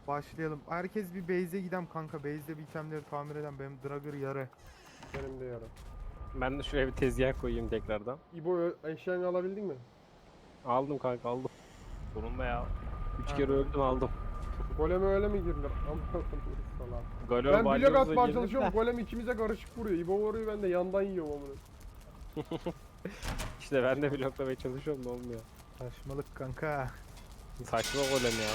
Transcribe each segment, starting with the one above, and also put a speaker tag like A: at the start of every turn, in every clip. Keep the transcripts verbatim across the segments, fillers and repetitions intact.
A: Başlayalım. Herkes bir base'e gidem kanka. Base'de bir itemleri tamir eden benim Dragger yarı.
B: Benim de yarım.
C: Ben de şuraya bir tezgah koyayım tekrardan.
B: İbo ö- eşyanı alabildin mi?
C: Aldım kanka aldım. Sonunda ya. Üç
A: Ha.
C: kere öldüm aldım.
B: Goleme öyle mi girilir? Aman salak.
C: Golem
B: Ben blok
C: balyozla
B: atmaya
C: girdim
B: çalışıyorum.
C: de.
B: Golem ikimize karışık vuruyor. İbo vuruyor, ben de yandan yiyorum onu.
C: İşte ben de bloklamaya çalışıyorum da olmuyor.
A: Saçmalık kanka.
C: Saçma golem ya.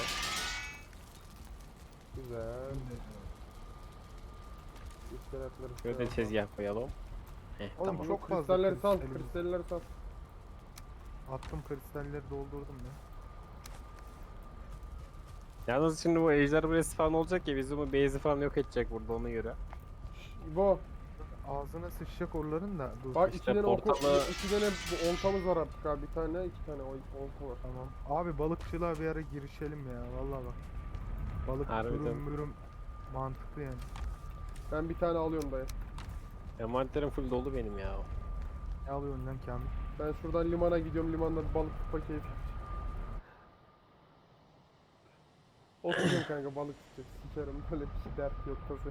B: Güzel. İskeletleri
C: Şöyle de tezgah koyalım. Heh,
B: Oğlum
C: tamam.
B: çok
A: fazla
B: kristalleri sal,
A: kristalimiz.
B: kristalleri sal.
A: Attım kristalleri doldurdum ya.
C: Yalnız şimdi bu ejder buraya spawn olacak ya bizim bu base'i falan yok edecek burada ona göre.
B: Şşş, İbo,
A: Ağzına sıçacak oraların da. Dur.
B: bak
C: İşte
B: iki tane oku,
C: portalı-
B: iki tane bu oltamız var artık abi. Bir tane, iki tane ol- olta var.
A: Tamam. Abi balıkçılığa bir ara girişelim ya. Vallahi bak. Balık
C: Harbiden.
A: durum mürüm mantıklı yani.
B: Ben bir tane alıyorum dayı.
C: Envanterim full dolu benim ya.
A: Ne alıyorsun lan Kamil?
B: Ben şuradan limana gidiyorum. Limanda bir balık tutma keyfi yapacağım. Oturacağım kanka, balık tutacak. Sikerim, böyle bir şey dert yok tası.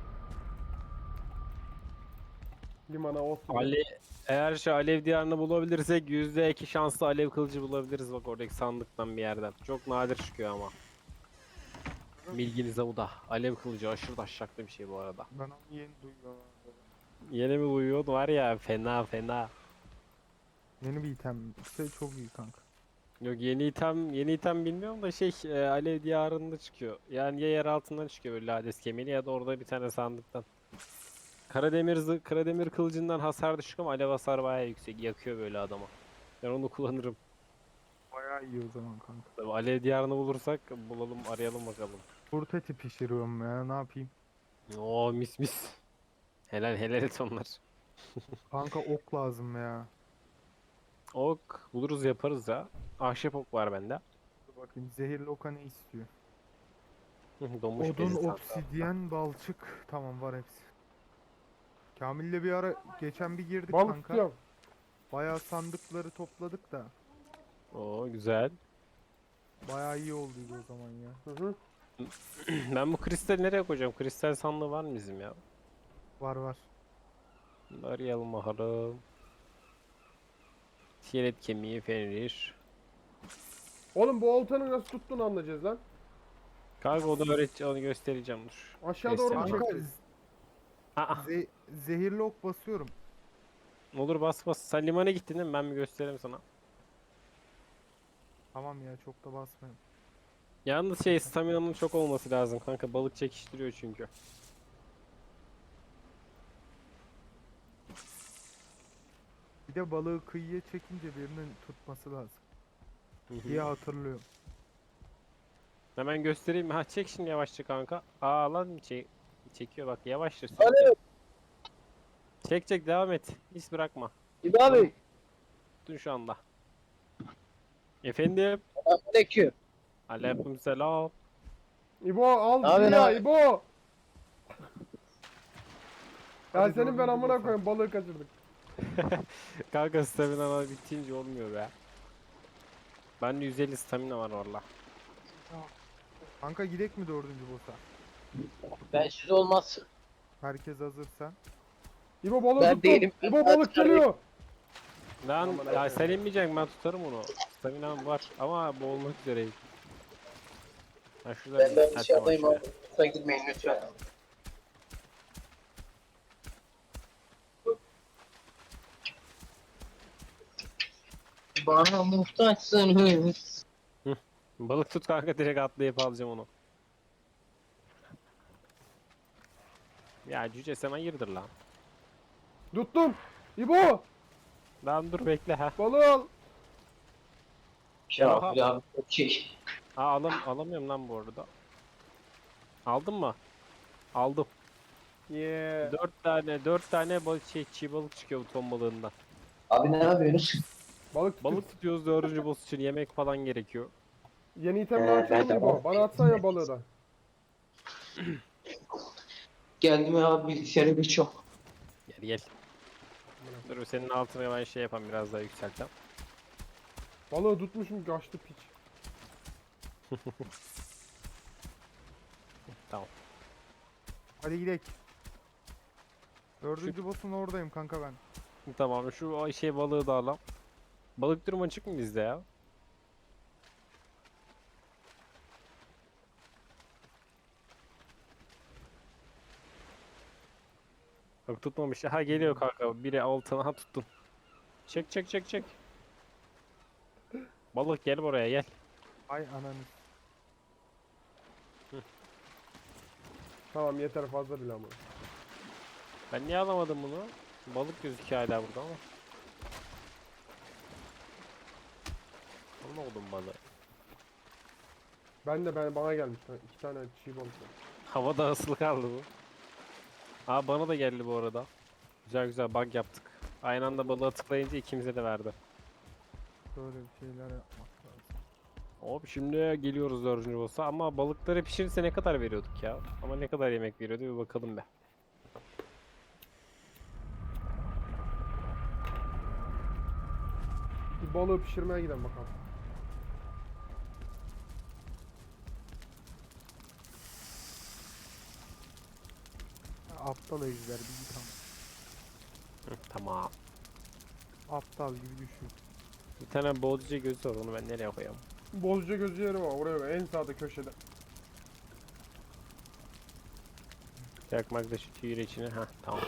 B: Limana otur.
C: Ali eğer şu alev diyarını bulabilirsek yüzde iki şanslı alev kılıcı bulabiliriz bak oradaki sandıktan bir yerden. Çok nadir çıkıyor ama. Bilginize bu da. Alev kılıcı aşırı taşacaklı bir şey bu arada.
A: Ben onu yeni duyuyorum.
C: Yeni mi uyuyordu var ya fena fena.
A: Yeni bir item. Şey çok iyi kanka.
C: Yok yeni item yeni item bilmiyorum da şey e, alev diyarında çıkıyor. Yani ya yer altından çıkıyor böyle Hades kemiği ya da orada bir tane sandıktan. Karademir zı Karademir kılıcından hasar düşük ama alev hasarı bayağı yüksek. Yakıyor böyle adama. Ben onu kullanırım.
A: Bayağı iyi o zaman kanka.
C: Tabii alev diyarını bulursak bulalım arayalım bakalım.
A: Kurt eti pişiriyorum ya, ne yapayım?
C: Oo mis mis. Helal helal et onlar.
A: Kanka ok lazım ya.
C: Ok buluruz yaparız ya. Ahşap ok var bende.
A: Dur bakayım, zehirli oka ne istiyor?
C: Hı, Donmuş
A: Odun,
C: bezi sandığı.
A: obsidyen, balçık. Tamam, var hepsi. Kamil'le bir ara geçen bir girdik
B: Balık
A: kanka.
B: tutuyorum.
A: Bayağı sandıkları topladık da.
C: Oo güzel.
A: Bayağı iyi olduydu o zaman ya.
B: Hı hı.
C: Ben bu kristali nereye koyacağım? Kristal sandığı var mı bizim ya?
A: Var var.
C: Arayalım bakalım. Tiyelet kemiği, fenrir.
B: Oğlum bu oltanı nasıl tuttuğunu anlayacağız lan.
C: Kanka onu öğreteceğim, onu göstereceğim dur.
B: Aşağı doğru mu
C: Göstereceğim.
A: Kanka
B: çekeceğiz?
C: Aa,
A: ze- zehirli ok basıyorum.
C: olur bas bas. Sen limana gittin değil mi? Ben bir göstereyim sana.
A: Tamam ya, çok da basmayayım.
C: Yalnız şey stamina'nın çok olması lazım kanka. Balık çekiştiriyor çünkü.
A: Bir de balığı kıyıya çekince birinin tutması lazım
C: Hı hı.
A: diye hatırlıyorum.
C: Hemen göstereyim mi? Ha çek şimdi yavaşça kanka. Aa lan çek çekiyor bak yavaşça.
D: Alo,
C: Çek çek devam et. Hiç bırakma.
D: İbo abi.
C: Dur şu anda. Efendim.
D: Selamünaleyküm.
C: Aleykümselam.
B: İbo al
D: Abi
B: bizi
D: ne
B: ya
D: abi?
B: İbo. Ya
A: Hadi
B: senin ben
A: dördüncü
B: amına
A: boss'a.
B: koyayım, balığı kaçırdık.
C: Kanka stamina bitince olmuyor be. Bende yüz elli stamina var valla.
A: Kanka gidek mi dördüncü boss'a?
D: Ben siz olmaz.
B: Herkes
A: hazırsa.
B: İbo balığı
D: Ben
B: tuttum.
D: değilim.
B: İbo balık geliyor.
C: Lan
B: Aman
C: ya
B: Allah'ım.
C: sen inmeyeceksin ben tutarım onu. Staminam var ama boğulmak üzereyim. Ha şurada
D: Ben
C: bir
D: ben
C: taş var
D: dışarıdayım
C: şuraya.
D: abi. Lütfen gitmeyin lütfen. Bana muhtaçsınız.
C: Balık tut kanka direkt atlayıp alacağım onu. Ya cüce sen hayırdır lan.
B: Tuttum. İbo
C: Lan dur bekle ha.
B: balığı al.
D: Ya
C: Oha.
D: abi abi çok iyi.
C: Ha alam alamıyorum lan bu arada. Aldın mı? Aldım.
B: Yeah.
C: Dört tane dört tane balık şey çiğ balık çıkıyor bu ton balığından.
D: Abi ne yapıyorsunuz?
B: Balık tuttum.
C: Balık tutuyoruz dördüncü boss için yemek falan gerekiyor.
B: Yeni itemle
D: Ee,
B: açalım
D: ben de
B: İbo.
D: balık
B: Bana atsana ya balığı da.
D: Geldim ya abi bilgisayarı bir çok.
C: Gel gel. Dur senin altına ben şey yapayım biraz daha yükseltem.
B: Balığı tutmuşum, kaçtı piç.
C: tamam.
A: Hadi gidelim. Dördüncü boss'un oradayım kanka ben.
C: Tamam şu ay- şey balığı da alalım. Balık durumu açık mı bizde ya? Bak tutmamış. Ha geliyor kanka. Biri altına ha tuttun. Çek çek çek çek. Balık gel buraya gel.
A: Ay ananı.
B: Tamam yeter fazla bile ama.
C: Ben niye alamadım bunu? Balık gözüküyor hala burada ama. Alamadım balığı.
B: Ben de ben bana gelmiş. lan. İki tane çiğ balık var.
C: Havada asılı kaldı bu. Aa bana da geldi bu arada. Güzel güzel bug yaptık. Aynı anda balığa tıklayınca ikimize de verdi.
A: Böyle bir şeyler yapmak lazım.
C: Hop şimdi geliyoruz dördüncü boss'a ama balıkları pişirirse ne kadar veriyorduk ya? Ama ne kadar yemek veriyordu bir bakalım be.
B: Bir balığı pişirmeye gidelim bakalım.
A: Aptal ejder bir git ama.
C: Hı, tamam.
A: Aptal gibi düşün.
C: Bir tane boğducu gözü var onu ben nereye koyayım?
B: Bozca gözü yeri var oraya koy, en sağda köşede.
C: Yakmak da şu tüyür içine. Heh tamam.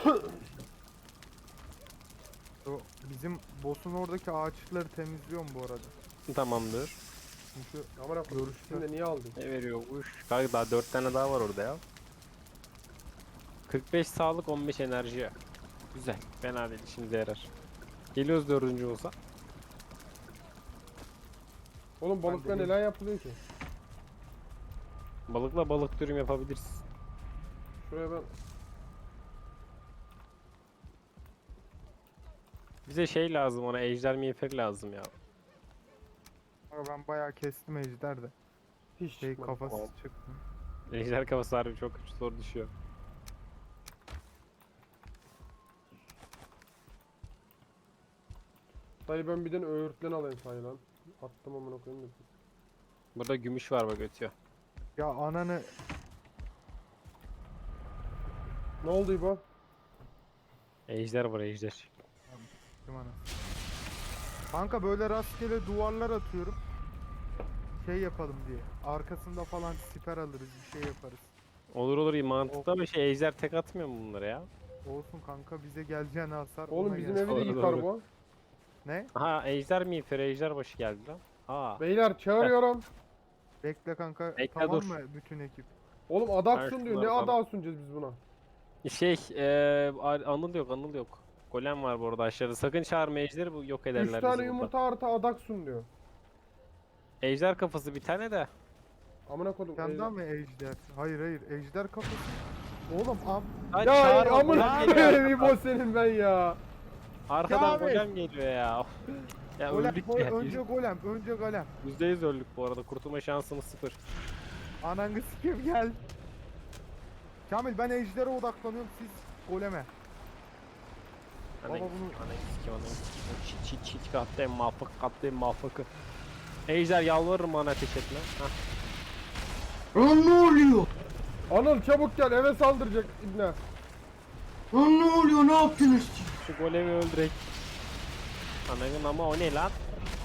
A: O bizim boss'un oradaki ağaçları temizliyorum bu arada.
C: Tamamdır.
A: Çünkü
B: Amına koyayım.
A: Görüşte.
B: Şimdi de niye aldın?
C: Ne veriyormuş? Kanka daha dört tane daha var orada ya. kırk beş sağlık on beş enerji. Güzel. Fena değil işimize yarar. Geliyoruz dördüncü olsa.
B: Oğlum balıkla
A: Ben de
B: neler yapılıyor ki?
C: Balıkla balık dürüm yapabiliriz.
B: Şuraya ben
C: Bize şey lazım ona ejder miğferi lazım ya.
A: ama ben bayağı kestim ejder de.
B: hiç
A: Şey
B: çıkmadı.
A: kafası
C: Tamam.
A: çıktı.
C: Ejder kafası harbi çok zor düşüyor.
B: Dayı ben bir tane öğürtlen alayım sayı lan. Attım amına koyayım da.
C: Burada gümüş var bak ötüyor.
A: Ya ananı
B: Ne oldu İbo?
C: Ejder var ejder.
A: kim ana? Kanka böyle rastgele duvarlar atıyorum. Şey yapalım diye. Arkasında falan siper alırız, bir şey yaparız.
C: Olur olur iyi mantıklı ama şey ejder tek atmıyor mu bunlara ya?
A: Olsun kanka bize geleceğine hasar.
B: Oğlum
A: ona
B: bizim
A: gelsin.
B: evi de
C: Doğru,
B: yıkar
C: doğru.
B: bu.
A: Ne?
C: Aha ejder miğferi ejder başı geldi lan. Aa.
B: Beyler çağırıyorum.
A: Bekle kanka.
C: Bekle,
A: tamam
C: dur.
A: mı bütün ekip?
B: Oğlum
C: Ben
B: adaksun diyor. Ne
C: şunları
B: ada sunacağız biz buna?
C: Şey eee anıl yok anıl yok. Golem var bu arada aşağıda. Sakın çağırma ejderi bu yok ederler
B: Üç
C: bizi
B: tane
C: burada.
B: yumurta artı adaksun diyor.
C: Ejder kafası bir tane de.
B: Amına koydum.
A: Sen
B: ejder.
A: daha mı ejder? Hayır hayır ejder kafası. Oğlum am
C: Lan
B: Ya
C: çağırma,
B: amına
C: golem geliyor
B: koyayım İbo
C: arkadan.
B: senin ben ya.
C: Arkadan
A: Kamil.
C: golem geliyor ya. Ya
A: golem,
C: öldük
A: gol-
C: ya.
A: önce golem, önce golem.
C: yüzde yüz öldük bu arada. Kurtulma şansımız sıfır.
A: Ananı sikim gel. Kamil ben ejdere odaklanıyorum siz goleme.
C: Ana
A: Baba bunu-
C: ana sikim ana sikim. Çit çit çit katlayın muvaffak katlayın muvaffakı. Ejder yalvarırım bana ateş etme. Hah.
D: Lan ne oluyor?
B: Anıl çabuk gel eve saldıracak İbne.
D: Lan ne oluyor? Ne yaptınız siz?
C: Şu golemi öldürek. Ananın ama o ne lan?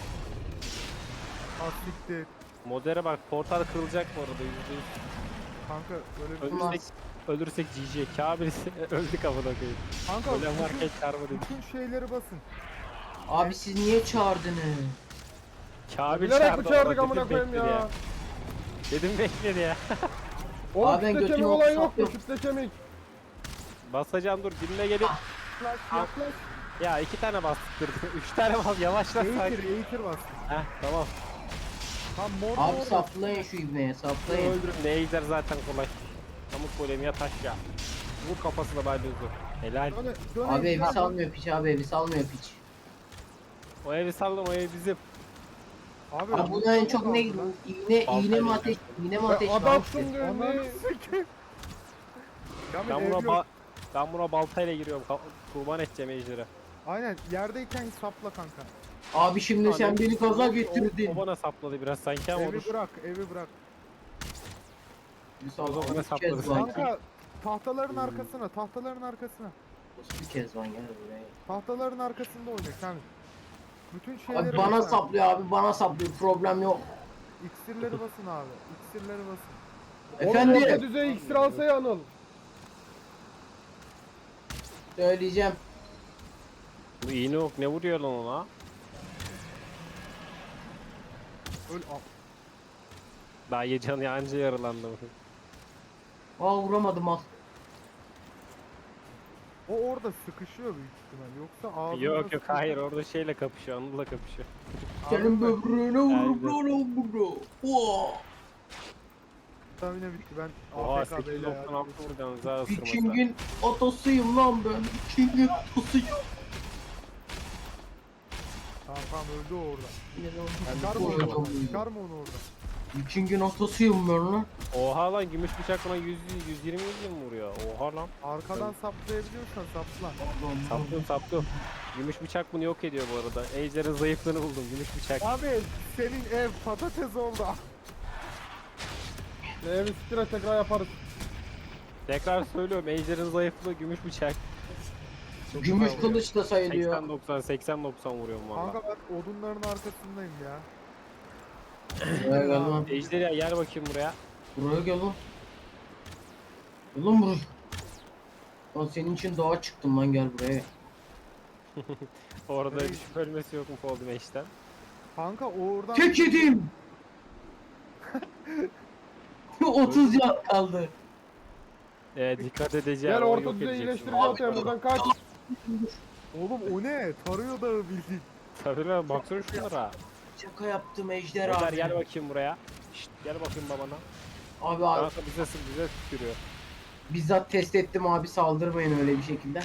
A: Asliktir.
C: Modere bak portal kırılacak bu arada yüzde yüz.
A: Kanka öyle bir
C: Ölürsek, ölürsek G G. Kabil öldük amına koyayım.
A: Kanka
C: Golem
A: bütün,
C: varken çarpı dedik.
A: bütün şeyleri basın.
D: Abi siz niye çağırdınız?
C: Kabil
B: Bilerek
C: çağırdı
B: mi çağırdık
C: orada,
B: amına
C: dedim
B: koyayım
C: bekledi
B: ya.
C: Dedim bekledi ya.
B: Oğlum
D: Abi ben
B: kütle
D: götümü
B: kemik olayı yok mu?
D: saplıyorum.
B: Kütle kemik.
C: Basacağım dur dinle gelip.
A: Yaklaş
C: Al.
A: yaklaş.
C: Ya iki tane bastırdı. Üç tane bas yavaşla
A: Eğitir
C: sakin.
A: eğitir bas.
C: Heh tamam.
A: Tam mor
D: Abi
A: mor.
D: saplayın şu ibneye saplayın.
C: Öldürün ne ejder zaten kolay. Pamuk golemi ya taş ya. Vur kafasına balyozu. Helal.
A: Döne, döne
D: Abi evi
A: ejder.
D: salmıyor piç abi evi salmıyor piç.
C: O evi sallam o ev bizim.
A: Abi,
D: Abi buna en çok ne
A: kaldı lan.
D: iğne iğne mi ateş iğne mi ateş
B: Ya
D: var?
B: adaksun diyor
A: Ananı
B: ne?
A: sikeyim. Kamil
C: Ben
A: ev
C: buna
A: yok.
C: ba ben buna baltayla giriyorum. Ka- Kurban edeceğim ejderi.
A: Aynen yerdeyken sapla kanka.
D: Abi şimdi sen beni gaza
C: O, o
D: getirdin.
C: bana sapladı biraz sanki ama
A: Evi
C: olur.
A: bırak evi bırak.
D: Bir
C: O
D: sal
C: zaman
D: abi.
C: hesaplarız
D: Kezban.
C: sanki.
A: Kanka tahtaların
C: Hmm.
A: arkasına, tahtaların arkasına.
D: Bir Kezban gel buraya.
A: Tahtaların arkasında oyna Kamil. Bütün şeyleri
D: Abi bana
A: basın.
D: saplıyor abi bana saplıyor problem yok.
A: İksirleri basın abi. İksirleri basın.
B: Oğlum orta
D: Efendim
B: düzey iksir alsa ya Anıl.
D: söyleyeceğim.
C: Bu iğne ok ne vuruyor lan ona?
A: Öl al.
C: Daha ye canı anca yaralandı.
D: Aa vuramadım al.
A: O orada sıkışıyor büyük ihtimal. Yoksa ağzına
C: Yok yok hayır orada şeyle kapışıyor, Anıl'la kapışıyor.
D: Senin böbreğine
C: Aynen.
D: vurup lan o bunu. Oo.
A: Stamina bitti ben.
C: Oha
A: A F K
C: sekiz
A: beyler
C: doksan
A: ya.
C: altı vuracaksınız daha ısırmasa.
D: Viking'in otosuyum lan ben. Viking'in otosuyum.
A: Tamam tamam öldü o orada.
D: Ben
A: Çıkar mı onu? Çıkar mı onu orada?
D: Viking'in otosuyum ben lan.
C: Oha lan gümüş bıçak buna yüz yüz yirmi mi vuruyor? Oha lan.
A: Arkadan saplayabiliyorsan sapla.
C: Saptım saptım. Gümüş bıçak bunu yok ediyor bu arada. Ejder'in zayıflığını buldum gümüş bıçak.
A: Abi senin ev patates oldu.
B: Evi siktir et tekrar yaparız.
C: Tekrar söylüyorum Ejder'in zayıflığı gümüş bıçak. Çok
D: Gümüş
C: güzel vuruyor.
D: kılıç da sayılıyor.
C: seksen doksan seksen doksan vuruyorum valla.
A: Kanka ben odunların arkasındayım ya.
D: Buraya gel lan.
C: Ejder ya gel bakayım buraya.
D: Buraya gel lan. Gel lan buraya. Lan senin için dağa çıktım lan gel buraya.
C: Orada
A: Hey.
C: düşüp ölmesi yok mu Fold'un eşten?
A: Kanka oradan...
D: Tek yedim. otuz yan kaldı.
C: Ee, dikkat edeceğim.
B: Gel
C: o
B: orta
C: yok
B: düzey
C: edeceksin.
B: iyileştirici atayım buradan kaç.
A: Oğlum o ne? Tarıyor dağı bildiğin.
C: Tabii lan baksana şunlara.
D: Şaka yaptım Ejder
C: Ejder
D: abi.
C: gel bakayım buraya. Şşt gel bakayım babana.
D: Abi abi
C: Kanka bize sı- bize tükürüyor.
D: bizzat test ettim abi saldırmayın öyle bir şekilde.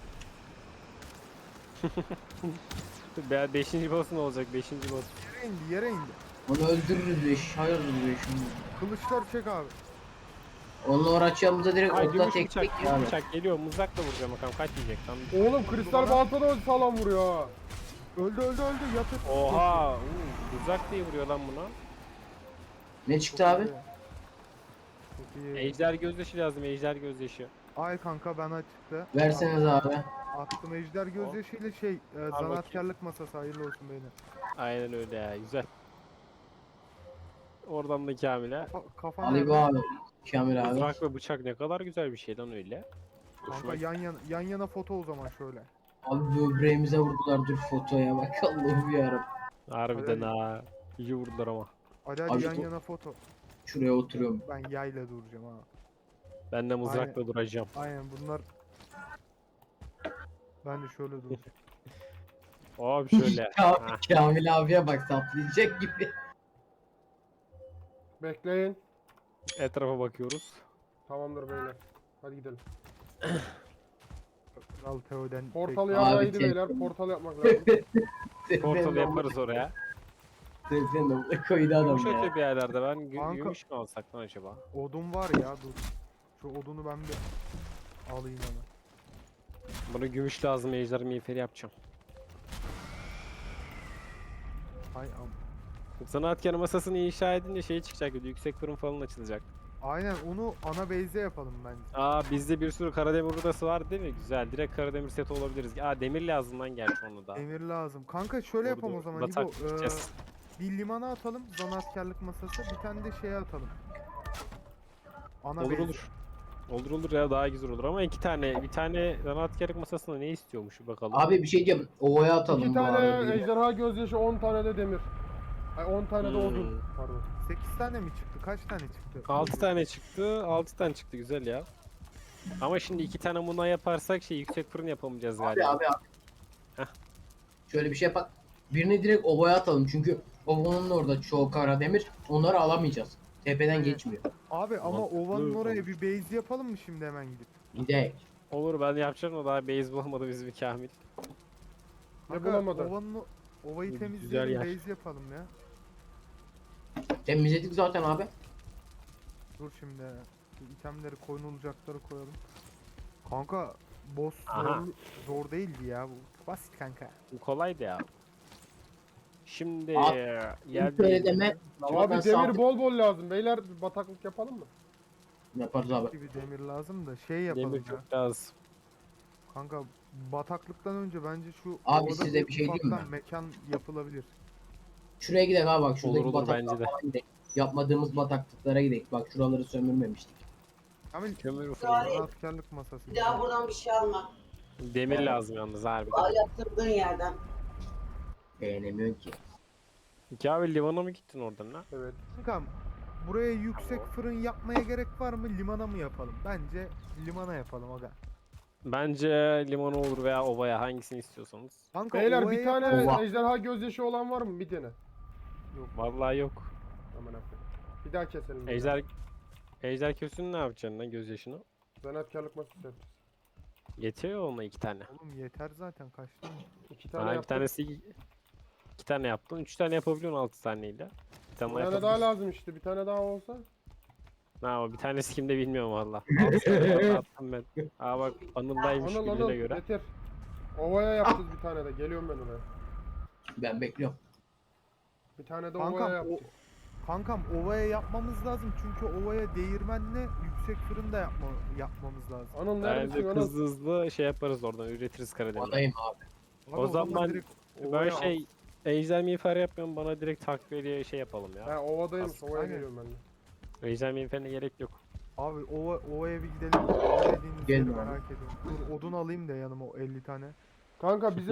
C: Be beşinci boss ne olacak? Beşinci boss.
A: Yere indi yere indi.
D: Onu öldürürüz beş. Hayırdır beş.
A: Kılıçlar çek abi.
D: Onunla uğraşacağımıza direkt
C: Ay
D: okla
C: gümüş
D: tek
C: bıçak,
D: tek
C: gümüş
D: abi.
C: bıçak geliyor. Mızrakla vuracağım bakalım kaç yiyecek tam.
B: Oğlum kristal balta da sağlam vuruyor ha.
A: Öldü öldü öldü yatır.
C: Oha! uu, Mızrak diye vuruyor lan buna.
D: Ne çıktı abi?
A: Çok iyi.
C: Ejder gözyaşı lazım, ejder gözyaşı.
A: Ay kanka bana çıktı.
D: Verseniz abi.
A: Attım ejder gözyaşıyla şey e, zanaatkarlık masası hayırlı olsun beyler.
C: Aynen öyle ya, güzel. Oradan da Kamil'e.
A: Ka- Kafan
D: Ali
A: nerede?
D: abi. Kamil abi.
C: Mızrak ve bıçak ne kadar güzel bir şey lan öyle. Hoşuma
A: Kanka yan yana, yan yana foto o zaman şöyle.
D: Abi böbreğimize vurdular dur fotoya bak Allah'ım yarabbim.
C: Harbiden ha. İyi vurdular ama.
A: Hadi hadi
D: Abi
A: yan
D: bu-
A: yana foto.
D: Şuraya oturuyorum.
A: Ben yayla duracağım ha.
C: Ben de mızrakla duracağım.
A: Aynen bunlar. Ben de şöyle duracağım.
C: Abi şöyle.
D: Ka-
C: Ha.
D: Kamil abiye bak saplayacak gibi.
B: Bekleyin.
C: Etrafa bakıyoruz.
B: Tamamdır beyler. Hadi gidelim.
A: Kral Teo'den.
B: Portal
D: Abi
B: yaraydı
D: tek-
B: beyler. Portal yapmak lazım.
C: Portal yaparız oraya.
D: Sen de koydu adam
C: Gümüş
D: ya.
C: öte bir yerlerde ben gü-
A: Kanka-
C: gümüş mü alsak lan acaba?
A: Odun var ya dur. Şu odunu ben bir alayım hemen.
C: Bana gümüş lazım, ejder miğferi yapacağım.
A: Hay am.
C: Zanaatkar masasını inşa edince şey çıkacak, bir yüksek fırın falan açılacak.
A: Aynen onu ana base'e yapalım bence.
C: Aa bizde bir sürü karademir rudası var değil mi? Güzel. Direkt karademir seti olabiliriz. Aa demir lazım lan gerçi onu da.
A: Emir lazım. Kanka şöyle
C: Doğru,
A: yapalım o
C: doğru.
A: zaman.
C: Batak
A: İbo, e,
C: gideceğiz.
A: bir limana atalım zanaatkarlık masası. Bir tane de şeye atalım. Ana
C: Olur
A: base.
C: olur. Olur olur ya daha güzel olur ama iki tane bir tane zanaatkarlık masasında ne istiyormuş bir bakalım.
D: Abi bir şey diyeceğim. Ovaya atalım
B: İki
D: bu
B: tane
D: arada.
B: ejderha gözyaşı, on tane de demir. Ay on tane de odun.
C: Hmm.
B: Pardon.
A: sekiz tane mi çıktı? Kaç tane çıktı?
C: altı tane çıktı. altı tane çıktı güzel ya. Ama şimdi iki tane bundan yaparsak şey yüksek fırın yapamayacağız
D: Abi
C: galiba.
D: abi abi.
C: Heh.
D: Şöyle bir şey yapak. Birini direkt ovaya atalım çünkü ovanın orada çoğu kara demir. Onları alamayacağız. Tepeden
A: Evet.
D: geçmiyor.
A: Abi ama
C: Mantıklı
A: ovanın oraya
C: olmuş.
A: bir base yapalım mı şimdi hemen gidip?
D: Gidelim.
C: Olur ben yapacağım o daha base bulamadı bizim Kamil.
B: Ne
A: Kanka,
B: bulamadı?
A: Ovanın o- ovayı
C: Güzel
A: temizleyelim
C: yer.
A: base yapalım ya.
D: Temizledik zaten abi.
A: Dur şimdi. Şu itemleri koyulacakları koyalım. Kanka boss
C: Aha.
A: zor, zor değildi ya bu. Basit kanka.
C: Bu kolaydı ya. Şimdi
D: Abi,
C: yer
D: Şöyle deme.
B: Abi
D: Havadan
B: demir
D: sağ-
B: bol bol lazım. Beyler bir bataklık yapalım mı?
D: Yaparız abi.
A: gibi demir lazım da şey yapalım
C: Demir
A: ya.
C: çok lazım.
A: Kanka bataklıktan önce bence şu
D: Abi
A: ovada
D: size bir şey diyeyim
A: ufaktan
D: mi?
A: mekan yapılabilir.
D: Şuraya gidelim abi bak şuradaki
C: Olur olur
D: bataklığa
C: bence de.
D: falan gidelim. Yapmadığımız bataklıklara gidelim. Bak şuraları sömürmemiştik.
A: Kamil
C: Kömür
E: Yani-
C: fırını.
A: askerlik masası.
E: Bir daha buradan bir şey alma.
C: Demir lazım yalnız harbiden.
E: Al yaptırdığın yerden.
D: Beğenemiyorsun ki.
C: Ki abi limana mı gittin oradan lan?
B: Evet.
A: Kankam buraya yüksek fırın yapmaya gerek var mı? Limana mı yapalım? Bence limana yapalım aga.
C: Bence limana olur veya ovaya hangisini istiyorsanız.
A: Kanka
B: Beyler
A: ovaya
B: bir tane
A: yapalım.
D: Ova.
B: ejderha gözyaşı olan var mı? Bir tane.
C: Vallahi yok.
B: Aman aferin. Bir daha keselim.
C: Ejder Ejder kösünü ne yapacaksın lan gözyaşını?
B: Zanaatkarlık masası yapacağız.
C: Yetiyor ya ona iki tane.
A: Oğlum yeter zaten kaç tane?
B: İki tane
C: Ha, bir
B: yaptık.
C: tanesi iki tane yaptın. Üç tane yapabiliyorsun altı taneyle. Bir tane
B: Bir
C: daha
B: tane daha
C: yapabilirsin.
B: lazım işte. Bir tane daha olsa.
C: Ha, o bir tanesi kimde bilmiyorum valla. Altı tane attım ben. Aa bak Anıl'daymış
B: Anıl
C: bildiğine
B: Anıl
C: göre.
B: getir. Ovaya yapacağız bir tane de. Geliyorum ben oraya.
D: Ben bekliyorum.
B: Bir tane de
A: Kankam,
B: ovaya
A: o-
B: yapacağız.
A: Kankam ovaya yapmamız lazım çünkü ovaya değirmenle yüksek fırın da yapma, yapmamız lazım.
B: Anıl
C: Bence
B: neredesin Anıl?
C: hızlı hızlı şey yaparız oradan üretiriz Karadeniz'i.
D: Adayım abi.
A: Abi
C: O zaman
A: direkt
C: Ben
A: ovaya
C: şey Ejder miğfer yapmıyorum bana direkt takviyeli şey yapalım ya.
B: Ha ovadayım.
C: As-
B: Ovaya
A: Aynen.
B: geliyorum ben de.
C: Ejder miğferine gerek yok.
A: Abi ova, ovaya bir gidelim. Ova dediğiniz
D: Gelin
A: yeri
D: abi.
A: merak ediyorum. Dur odun alayım da yanıma o elli tane.
B: Kanka bizim